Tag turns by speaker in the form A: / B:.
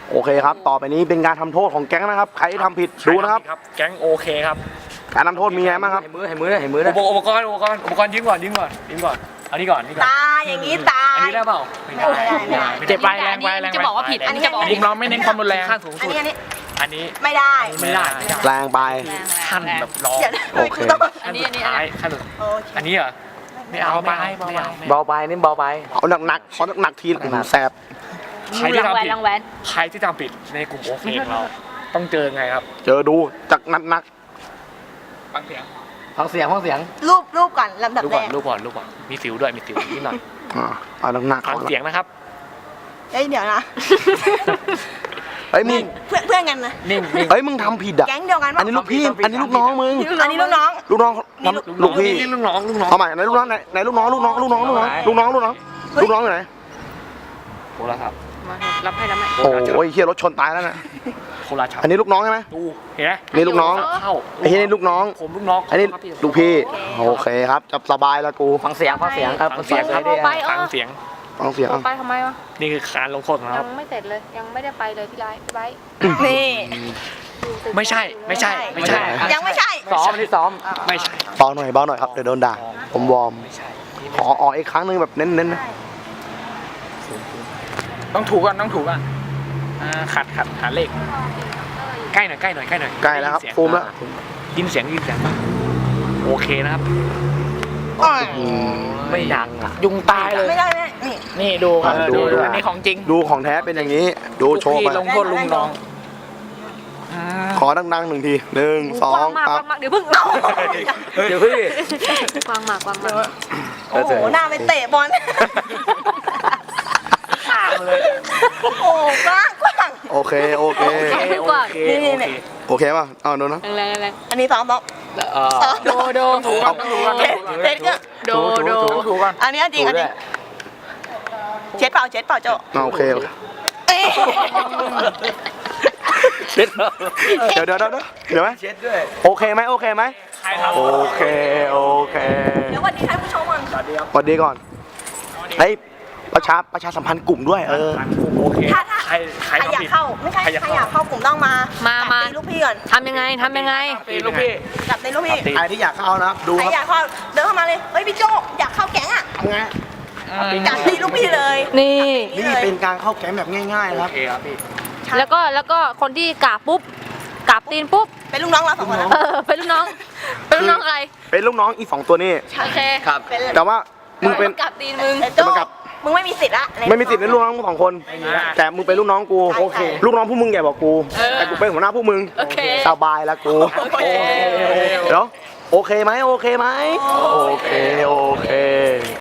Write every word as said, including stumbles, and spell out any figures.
A: โอเคครับต่อไปนี้เป็นการทำโทษของแก๊งนะครับใครที่ทำผิดดูนะครับ
B: แก๊งโอเคครับ
A: การทำโทษมีไงบ้างครับ
C: ให้มือให้มือให้มือนะ
B: อุปกรณ์อุปกรณ์อุปกรณ์ยืมก่อนยืมก่อนยืมก่อนอันนี้ก่อนนี่ก่อน
D: ตาอย่างนี้ตา
B: อันนี้ได้เปล่าไม่ได้
C: เจ็บไปแรงไปแรง
E: จะบอกว่าผิดอันนี้จะบอก
C: กลุ่มเราไม่เน้นความรุนแรง
B: ขั้นสูง
D: อัน
B: สุด
D: นี้อันนี้
B: อันนี้
D: ไม่ได้
B: ไม่ได้
A: แรงไป
B: ขั้นแบบร้อง
A: โอเค
E: อันนี้อันนี้
B: ท้ายขั้นอันนี้เหรอไม่เอาไม่เอาไม่เอา
C: เบาไปนี่เบาไป
A: เอาหนักหนักเอาหนักหนักทีแสบ
B: ใครที่ทำผิด
E: ลังแวน
B: ใครที่ทำผิดในกลุ่มโอเคของเราต้องเจอไงครับ
A: เจอดูจากหนักหนัก
B: ฟังเสียง
C: ฟังเสียงฟังเสียง
D: รูปรูปก่อนลำดับ
B: รูป
D: แร
B: ก่อน
D: ก
B: รูปก่อนรูปก่อนมีสิวด้วยมีสิวนิดหน่อย
A: อ่าเอาหนักหนัก
B: ฟังเสียงนะครับ
D: เอ้ยเดี๋ยวนะ
A: เฮ้ยมึง
D: เพื่อนเพื่อนกันนะ
B: นิ่งนิ่ง
A: เฮ้ยมึงทำผิดอ่ะ
D: แก๊งเดียวกัน
A: อันนี้ลูกพี่อันนี้ลูกน้องมึง
D: อันนี้ลูกน้อง
A: ลูกน้องลูกพี่
B: ลูกน้องลูกน้อง
A: เอาใหม่ไหนลูกน้องไหนไหนลูกน้องลูกน้องลูกน้องลูกน้องลูกน้องลูกน้องลูกน้องอยู่ไหน
B: โคราชครับ
E: มารับให้รับให้
A: โอ้ยเฮียรถชนตายแล้วนะ
B: โคราชครับ
A: อันนี้ลูกน้องใช่ไหม
B: ดูเห็นไหม
A: นี่ลูกน้อง
B: เข้า
A: ไอ้เฮียนี่ลูกน้อง
B: ผมลูกน้อง
A: อันนี้ลูกพี่โอเคครับจับสบายแล้วกู
C: ฟังเสียงฟังเสียงครับฟังเสียง
E: เอาไปเอ
B: ฟัง
E: อ
B: เสียง
A: ฟังเสียง
E: ไปทำไมวะ
B: นี่คือการลงโทษของเรา
E: ยังไม่เสร็จเลยยังไม่ได้ไปเลยพี่ไลท์พี่ไบร์ท
D: นี่
B: ไม่ใช่ไม่ใช่ไม่ใช่
D: ยังไม่ใช่
C: ซ้อมนี่ซ้อม
B: ไม่ใช่
A: เบาหน่อยเบาหน่อยครับเดี๋ยวโดนด่าผมวอร์ม
B: ไม่ใช่
A: ขอออกอีกครั้งหนึงแบบเน้นๆนะ
B: ต้องถูกก่อนต้องถูกก่อนขัดขัดหาเลขใกล้หน่อยใกล้หน่อยใกล้หน่อย
A: ใกล้แล้วครับฟูมแล้ว
B: ยินเสียงยินเสียงโอเคนะครับ
C: ไม่ดังอ่ะยุงตายเลย
D: ไม่ได้ไม่ได้นี่
C: นี่ดูครับ
A: ดูดู
C: อันนี้ของจริง
A: ดูของแท้เป็นอย่างนี้ ดูโชว์ไป
C: ลงโทษลุงน้อง
A: ขอดังๆหนึ่งทีหนึ่งสอก
E: ว้าง งมาก
A: ครั
E: ก
A: บ
E: ว้างมากเดี๋ยวเพิ่ง
C: เดี๋ยวพี่
E: กว้างมากกว้างมาก
D: โอ้โหหน้าไปเตะบอลโอ้โหกว้างกว้าง
A: โอเคโอเค
E: กว้าง
D: นี่นี่นี่
A: โอเคป่ะเอาโดนนะ
E: แรงแรง
D: อันนี้ซ้อมซ้อม
E: โดโด
C: ถูกกันถูกกัน
D: เช็ดเช็ดก็
E: โดโด
C: ถูกกัน
D: อันนี้จริงอันนี้เช็ดเปล่าเช็ดเปล่าโจ
A: เอาโอเคโอเค
D: เอ้ย
A: เช็ดเดี๋ยวเดี๋ยวเดี๋ยวเดี๋ยวไหม
C: เช็ดด้วย
A: โอเคไหมโอเคไหมโอเคโอเค
D: เดี๋ยววันนี้ท่านผู้ชมก่อน
A: สวัสดีก่อนเฮ้ยประชาประชาสัมพันธ์กลุ่มด้วยเออ
B: โอเค
D: ถ้าถ้า
B: ใครใคร
D: ใครอยาก
B: ทำผิด
D: เข้าไม่ใช่ใครอยากเข้ากลุ่มต้องมามามาตีลูกพี่ก่อน
E: ทำยังไงทำยังไง
B: ตีลูกพี่
D: จับตีลูกพี่
A: ใครที่อยากเข้านะครับดู
D: ใคร
A: ครับ
D: อยากเข้าเดินเข้ามาเลยเฮ้ยพี่โจอยากเข้าแก๊งอ่ะ
A: ทำไง
D: จับตีลูกพี่เลย
E: นี่
A: นี่เป็นการเข้าแก๊งแบบง่ายๆ
B: โอ
A: นะครับ
B: เคครับพี่
E: แล้วก็แล้วก็คนที่กราบปุ๊บกราบตีนปุ๊บ
D: เป็นลูกน้องเราสองคนนะ
E: เออเป็นลูกน้องเป็นลูกน้องอะไร
A: เป็นลูกน้องอีสองตัวนี้
E: โอเค
C: ครับ
D: เป็น
A: แต่ว่ามึงเป็น
E: กราบตีนมึง
D: แต่โจมึงไม่มีสิทธิ์ละ
A: ไม่มีสิทธิ์ในลูกน้องมึงสองคน แต่มึงเป็นลูกน้องกู
D: โอเค
A: ลูกน้องพวกมึงใหญ่กว่ากู แต่กูเป็นหัวหน้าพวกมึง
E: โอเค
A: สบายแล้วกู
D: โอเค
A: เดี๋ยวโอเคไหมโอเคไหมโอเคโอเค